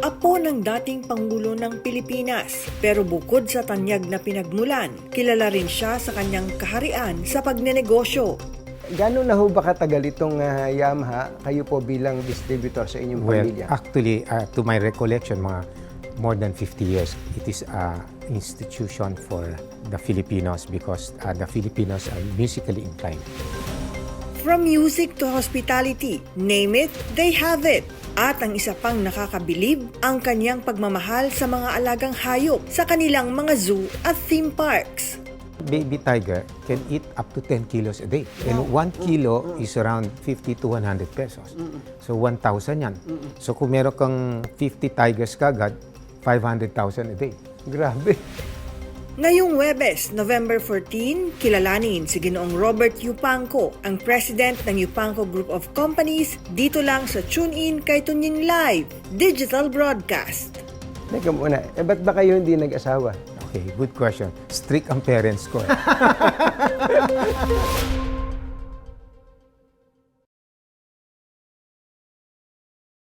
Apo ng dating Pangulo ng Pilipinas, pero bukod sa tanyag na pinagmulan, kilala rin siya sa kanyang kaharian sa pagnenegosyo. Gano'n na ho ba katagal itong Yamaha, kayo po bilang distributor sa inyong pamilya? Actually, to my recollection, mga more than 50 years, it is an institution for the Filipinos because the Filipinos are musically inclined. From music to hospitality, name it, they have it. At ang isa pang nakakabilib, ang kanyang pagmamahal sa mga alagang hayop sa kanilang mga zoo at theme parks. Baby tiger can eat up to 10 kilos a day. And 1 kilo is around 50 to 100 pesos. So 1,000 yan. So kung meron kang 50 tigers kagad, 500,000 a day. Grabe. Ngayong Huwebes, November 14, kilalanin si Ginoong Robert Yupanco, ang president ng Yupanco Group of Companies, dito lang sa TuneIn kay Tunying Live, digital broadcast. Teka muna, ba't ba kayo hindi nag-asawa? Okay, good question. Strict ang parents ko.